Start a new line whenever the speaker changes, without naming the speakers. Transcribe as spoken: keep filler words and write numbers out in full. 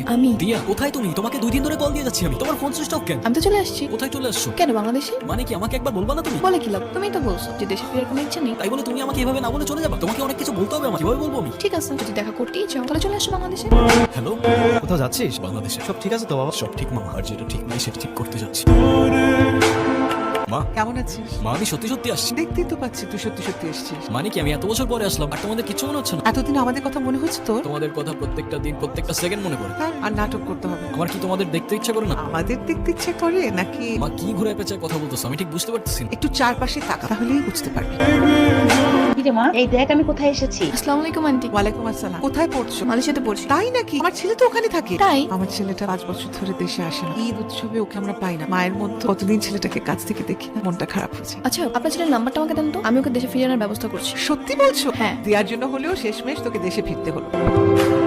আমি
দিয়া, কোথায় তুমি? তোমাকে দুই দিন ধরে কল দিয়ে যাচ্ছি আমি। তোমার ফোন সুইচ অফ কেন?
আমি তো চলে আসছি।
কোথায় চলে আসছো?
কেন বাংলাদেশে?
মানে কি আমাকে একবার বলবা না তুমি?
বলে কি লাভ? তুমিই তো বলছো যে দেশে ফেরার কোনো ইচ্ছা নেই।
তাই বলে তুমি আমাকে এভাবে না বলে চলে যাবা? তোমাকে অনেক কিছু বলতে হবে আমাকে। কিভাবে বলবো আমি?
ঠিক আছে, যদি দেখা করতেই চাও তাহলে চলে আসো বাংলাদেশে।
হ্যালো,
কোথাও যাচ্ছিস?
বাংলাদেশে
সব ঠিক আছে তো বাবা?
সব ঠিক মামা, আর যেটা ঠিক নাই সেটা ঠিক করতে যাচ্ছি। মা,
কেমন আছিস?
মা আমি সত্যি সত্যি আসছি।
দেখতেই তো পাচ্ছি তুই সত্যি সত্যি এসেছিস।
মানে কি আমি এত বছর পরে আসলাম আর তোমাদের কিছু মনে হচ্ছে না?
এতদিন আমাদের কথা মনে হচ্ছে তোর?
তোমাদের কথা প্রত্যেকটা দিন প্রত্যেকটা সেকেন্ড মনে পড়ে।
হ্যাঁ, আর নাটক করতে হবে।
আমার কি তোমাদের দেখতে ইচ্ছা করে না?
আমাদের দেখতে ইচ্ছে করে নাকি?
মা কি ঘুরে পেঁচায় কথা বলতেছো আমি ঠিক বুঝতে পারতেছি না।
একটু চারপাশে তাকা, তাহলেই বুঝতে পারবি।
কিরে মা, এই দেখ আমি কোথায় এসেছি।
আসসালামু আলাইকুম আন্টি।
ওয়ালাইকুম আসসালাম। কোথায় পড়ছো?
মালয়েশিয়াতে পড়ছি।
তাই নাকি? আমার ছেলে তো ওখানে থাকে।
তাই?
আমার ছেলেটা পাঁচ বছর ধরে দেশে আসে না। ঈদ উৎসবে ওকে আমরা পাই না। মায়ের মধ্যে কতদিন ছেলেটাকে কাছ থেকে দেখি না, মনটা খারাপ হয়েছে।
আচ্ছা, আপনার ছেলের নাম্বারটা আমাকে দেন তো, আমি ওকে দেশে ফিরে আনার ব্যবস্থা করছি।
সত্যি বলছো?
হ্যাঁ।
দেওয়ার জন্য হলেও শেষমেশ তোকে দেশে ফিরতে হলো।